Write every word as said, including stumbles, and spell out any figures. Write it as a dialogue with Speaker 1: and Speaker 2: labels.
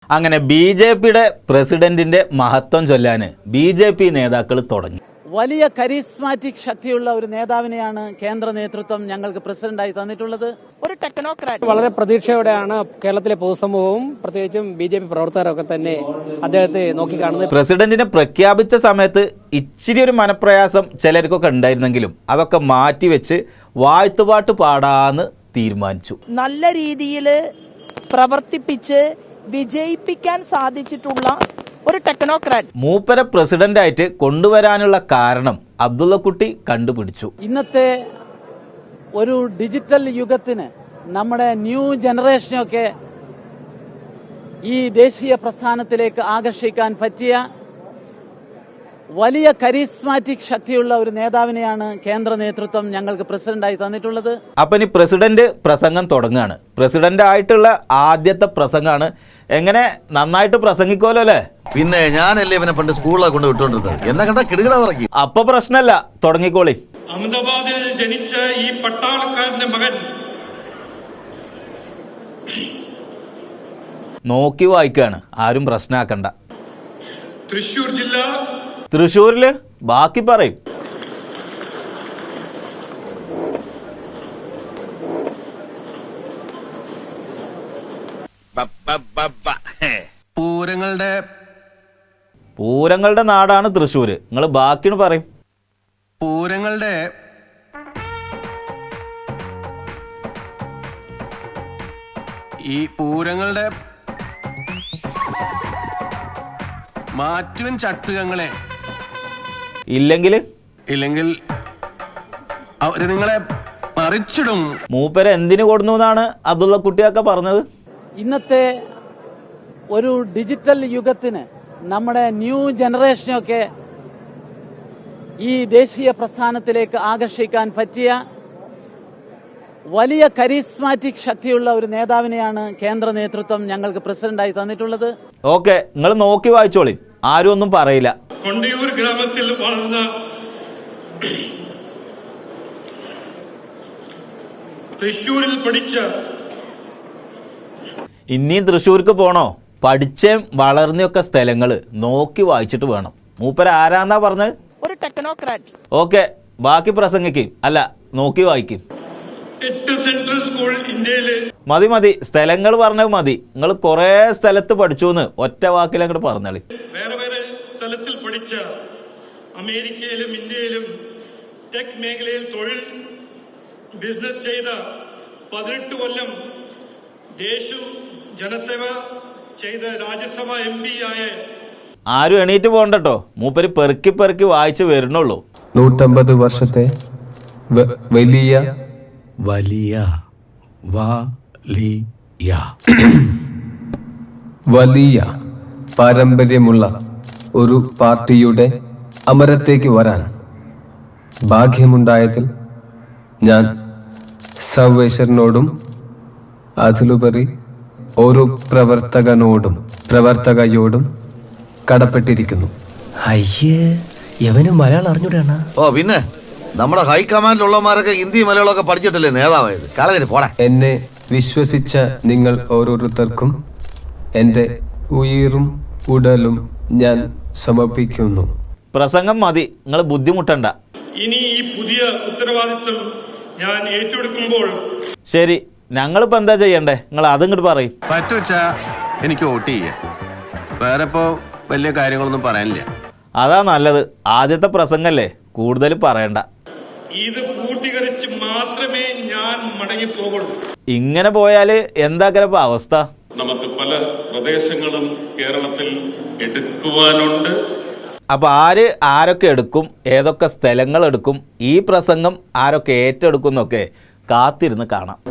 Speaker 1: അങ്ങനെ B J പിയുടെ പ്രസിഡന്റിന്റെ മഹത്വം ചൊല്ലാൻ ബി ജെ പി നേതാക്കൾ തുടങ്ങി.
Speaker 2: വലിയ കരിസ്മാറ്റിക് ശക്തിയുള്ള ഒരു നേതാവിനെയാണ് കേന്ദ്ര നേതൃത്വം ഞങ്ങൾക്ക് പ്രസിഡന്റായി തന്നിട്ടുള്ളത്. ഒരു ടെക്നോക്രാറ്റ്.
Speaker 3: വളരെ പ്രതീക്ഷയോടെയാണ് കേരളത്തിലെ പൊതുസമൂഹവും പ്രത്യേകിച്ചും ബി ജെ പി പ്രവർത്തകരൊക്കെ തന്നെ അദ്ദേഹത്തെ നോക്കിക്കാണുന്നത്.
Speaker 1: പ്രസിഡന്റിനെ പ്രഖ്യാപിച്ച സമയത്ത് ഇച്ചിരി ഒരു മനപ്രയാസം ചിലർക്കൊക്കെ ഉണ്ടായിരുന്നെങ്കിലും അതൊക്കെ മാറ്റിവെച്ച് വാഴ്ത്തുപാട്ട് പാടാന്ന് തീരുമാനിച്ചു.
Speaker 4: നല്ല രീതിയിൽ പ്രവർത്തിപ്പിച്ച് വിജയിപ്പിക്കാൻ സാധിച്ചിട്ടുള്ള ഒരു ടെക്നോക്രാറ്റ്.
Speaker 1: മൂപ്പരെ പ്രസിഡന്റായിട്ട് കൊണ്ടുവരാനുള്ള കാരണം അബ്ദുള്ളക്കുട്ടി കണ്ടുപിടിച്ചു.
Speaker 2: ഇന്നത്തെ ഒരു ഡിജിറ്റൽ യുഗത്തിന് നമ്മുടെ ന്യൂ ജനറേഷനൊക്കെ ഈ ദേശീയ പ്രസ്ഥാനത്തിലേക്ക് ആകർഷിക്കാൻ പറ്റിയ വലിയ കരിസ്മാറ്റിക് ശക്തിയുള്ള ഒരു നേതാവിനെയാണ് കേന്ദ്ര നേതൃത്വം ഞങ്ങൾക്ക് പ്രസിഡന്റായി തന്നിട്ടുള്ളത്.
Speaker 1: അപ്പൊ ഇനി പ്രസിഡന്റ് പ്രസംഗം തുടങ്ങുകയാണ്. പ്രസിഡന്റ് ആയിട്ടുള്ള ആദ്യത്തെ പ്രസംഗമാണ്. എങ്ങനെ നന്നായിട്ട് പ്രസംഗിക്കുമല്ലോ അല്ലേ?
Speaker 5: പിന്നെ ഞാനല്ലേ ഇവനെ പണ്ട് സ്കൂളിലൊക്കെ കൊണ്ട് വിട്ടോണ്ടിരുന്നത്. എന്നെ കണ്ട കിടുകിട പറയും.
Speaker 1: അപ്പൊ പ്രശ്നമല്ല, തുടങ്ങിക്കോളി.
Speaker 6: അഹമ്മദാബാദിൽ ജനിച്ച ഈ പട്ടാളക്കാരന്റെ മകൻ
Speaker 1: നോക്കി വായിക്കാണ്, ആരും പ്രശ്നമാക്കണ്ട.
Speaker 6: തൃശൂർ ജില്ല.
Speaker 1: തൃശ്ശൂരില് ബാക്കി പറയും.
Speaker 5: പൂരങ്ങളുടെ
Speaker 1: പൂരങ്ങളുടെ നാടാണ് തൃശ്ശൂര്. നിങ്ങൾ ബാക്കിന് പറയും.
Speaker 5: പൂരങ്ങളുടെ ഈ പൂരങ്ങളുടെ മാറ്റുവൻ ചട്ടുകങ്ങളെ
Speaker 1: ഇല്ലെങ്കിൽ
Speaker 5: ഇല്ലെങ്കിൽ അവര് നിങ്ങളെ മറിച്ചിടും.
Speaker 1: മൂപ്പര് എന്തിനു കൊടുന്നു എന്നാണ് അബ്ദുള്ള കുട്ടിയൊക്കെ പറഞ്ഞത്.
Speaker 2: ഇന്നത്തെ ഒരു ഡിജിറ്റൽ യുഗത്തിന് നമ്മുടെ ന്യൂ ജനറേഷനൊക്കെ ഈ ദേശീയ പ്രസ്ഥാനത്തിലേക്ക് ആകർഷിക്കാൻ പറ്റിയ വലിയ കരിസ്മാറ്റിക് ശക്തിയുള്ള ഒരു നേതാവിനെയാണ് കേന്ദ്ര നേതൃത്വം ഞങ്ങൾക്ക് പ്രസിഡന്റായി തന്നിട്ടുള്ളത്.
Speaker 1: ഓക്കെ, നിങ്ങൾ നോക്കി വായിച്ചോളി, ആരും ഒന്നും പറയില്ല.
Speaker 6: കൊണ്ടിയൂർ ഗ്രാമത്തിൽ വളർന്ന തൃശൂരിൽ പഠിച്ച
Speaker 1: ഇനിയും തൃശ്ശൂർക്ക് പോണോ? പഠിച്ചേം വളർന്നൊക്കെ സ്ഥലങ്ങള് നോക്കി വായിച്ചിട്ട് വേണം. മൂപ്പര ആരാന്നാ പറഞ്ഞത്?
Speaker 4: ഒരു ടെക്നോക്രാറ്റ്.
Speaker 1: ഓക്കെ, ബാക്കി പ്രസംഗിക്കും, അല്ല നോക്കി വായിക്കും.
Speaker 6: എട്ട് സെൻട്രൽ സ്കൂൾ ഇന്ത്യയില്.
Speaker 1: മതി മതി, സ്ഥലങ്ങൾ പറഞ്ഞത് മതി. നിങ്ങൾ കൊറേ സ്ഥലത്ത് പഠിച്ചു എന്ന് ഒറ്റ വാക്കിൽ അങ്ങോട്ട് പറഞ്ഞാളി.
Speaker 6: വേറെ വേറെ സ്ഥലത്തിൽ പഠിച്ച, അമേരിക്കയിലും ഇന്ത്യയിലും ടെക് മേഖലയിൽ തൊഴിൽ ബിസിനസ് ചെയ്ത, പതിനെട്ട് കൊല്ലം ദേശ ജനസേവ ചെയ്ത രാജ്യസഭ എം പി ആയ.
Speaker 1: ആരും എണീറ്റ് പോകണ്ടോ, മൂപ്പര് പെറുക്കി പെറുക്കി വായിച്ചു വരുന്നുള്ളൂ.
Speaker 7: നൂറ്റമ്പത് വർഷത്തെ വലിയ
Speaker 8: വലിയ വലിയ
Speaker 7: വലിയ പാരമ്പര്യമുള്ള ഒരു പാർട്ടിയുടെ അമരത്തേക്ക് വരാൻ ഭാഗ്യമുണ്ടായതിൽ ഞാൻ സർവേശ്വരനോടും അതിലുപരി ഓരോ പ്രവർത്തകനോടും പ്രവർത്തകയോടും കടപ്പെട്ടിരിക്കുന്നു.
Speaker 8: അയ്യേ, എവനും മലയാളം അറിഞ്ഞൂടാണ്.
Speaker 5: ഓ പിന്നെ നമ്മുടെ ഹൈക്കമാൻഡിലുള്ളമാരൊക്കെ ഹിന്ദി മലയാളമൊക്കെ പഠിച്ചിട്ടല്ലേ നേതാവായത്. കളഞ്ഞിട്ട് പോടാ.
Speaker 7: എന്നെ വിശ്വസിച്ച നിങ്ങൾ ഓരോരുത്തർക്കും എൻ്റെ ഉയിരും ഉടലും ഞാൻ സമർപ്പിക്കുന്നു.
Speaker 1: പ്രസംഗം മതി, നിങ്ങൾ ബുദ്ധിമുട്ടണ്ട.
Speaker 6: ഇനി ഈ പുതിയ ഉത്തരവാദിത്വം ഞാൻ ഏറ്റെടുക്കുമ്പോൾ
Speaker 1: ശരി, ഞങ്ങളിപ്പോ എന്താ ചെയ്യണ്ടേ? നിങ്ങൾ അതിങ്ങോട്ട് പറയും.
Speaker 5: പറ്റുവച്ചാ എനിക്ക് വോട്ട് ചെയ്യാം. വേറെ ഇപ്പോ വലിയ കാര്യങ്ങളൊന്നും പറയാനില്ല.
Speaker 1: അതാ നല്ലത്. ആദ്യത്തെ പ്രസംഗല്ലേ, കൂടുതൽ പറയണ്ട.
Speaker 6: ഇത് പൂർത്തീകരിച്ച് മാത്രമേ ഞാൻ മടങ്ങിപ്പോകുള്ളൂ.
Speaker 1: ഇങ്ങനെ പോയാല് എന്താക്കരപ്പ അവസ്ഥ?
Speaker 6: നമുക്ക് പല പ്രദേശങ്ങളും കേരളത്തിൽ എടുക്കുവാനുണ്ട്.
Speaker 1: അപ്പൊ ആര് ആരൊക്കെ എടുക്കും, ഏതൊക്കെ സ്ഥലങ്ങൾ എടുക്കും, ഈ പ്രസംഗം ആരൊക്കെ ഏറ്റെടുക്കും എന്നൊക്കെ കാത്തിരുന്ന് കാണാം.